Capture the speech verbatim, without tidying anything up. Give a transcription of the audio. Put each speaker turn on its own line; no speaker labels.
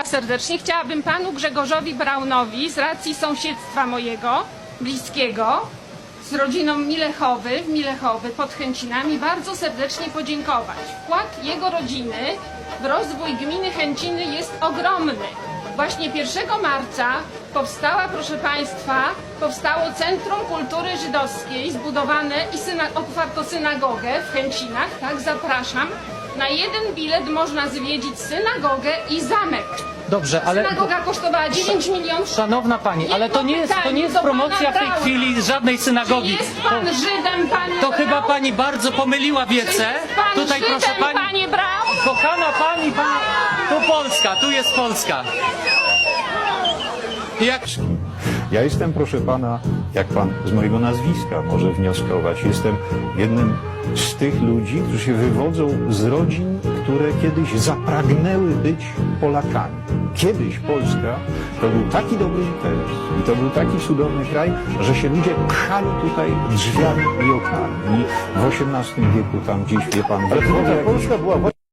Państwa serdecznie. Chciałabym panu Grzegorzowi Braunowi z racji sąsiedztwa mojego, bliskiego, z rodziną Milechowy, w Milechowy pod Chęcinami bardzo serdecznie podziękować. Wkład jego rodziny w rozwój gminy Chęciny jest ogromny. Właśnie pierwszego marca powstała, proszę Państwa, powstało Centrum Kultury Żydowskiej, zbudowane i syna otwarto synagogę w Chęcinach. Tak, zapraszam. Na jeden bilet można zwiedzić synagogę i zamek.
Dobrze, ale...
Synagoga kosztowała dziewięć milionów.
Szanowna Pani, ale to nie jest, to nie jest promocja w tej chwili żadnej synagogi.
Czy jest pan
To,
Żydem, panie
to
Braun?
chyba Pani bardzo pomyliła wiece.
Jest pan
Tutaj
Żydem,
proszę Pani,
panie Braun?
kochana Pani, pani, tu Polska, tu jest Polska. Jak...
Ja jestem, proszę pana, jak pan z mojego nazwiska może wnioskować, jestem jednym z tych ludzi, którzy się wywodzą z rodzin, które kiedyś zapragnęły być Polakami. Kiedyś Polska to był taki dobry interes i to był taki cudowny kraj, że się ludzie pchali tutaj drzwiami i oknami. I w osiemnastym wieku tam gdzieś, wie pan...
Ale to Polska była właśnie